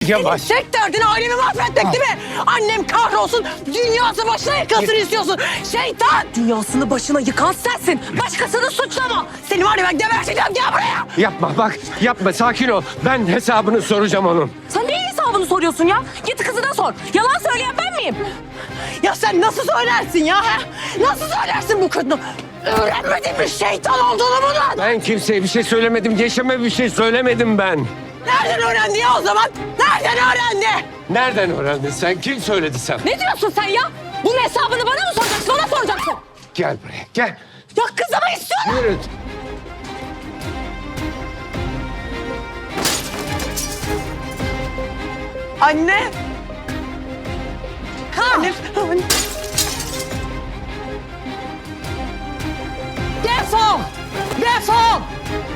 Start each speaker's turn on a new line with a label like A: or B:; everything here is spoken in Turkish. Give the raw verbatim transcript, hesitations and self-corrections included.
A: Yavaş.
B: Senin tek derdin ailemi mahvetmek değil mi? Annem kahrolsun, dünyası başına yıkılsın istiyorsun. Şeytan! Dünyasını başına yıkan sensin. Başkasını suçlama. Seni var ya ben geberteceğim, gel buraya.
A: Yapma bak, yapma, sakin ol. Ben hesabını soracağım onun.
B: Sen neyin hesabını soruyorsun ya? Git kızına sor. Yalan söyleyen ben miyim? Ya sen nasıl söylersin ya? Ha? Nasıl söylersin bu kadını? Öğrenmedin mi şeytan olduğunu bunun?
A: Ben kimseye bir şey söylemedim, Yeşim'e bir şey söylemedim ben.
B: Nereden öğrendi ya o zaman? Nereden öğrendi?
A: Nereden öğrendin sen? Kim söyledi sen?
B: Ne diyorsun sen ya? Bunun hesabını bana mı soracaksın, ona soracaksın?
A: Gel buraya, gel.
B: Ya kızımı istiyorum.
A: Yürü.
B: Anne. Anne. Anne. Defol! Defol!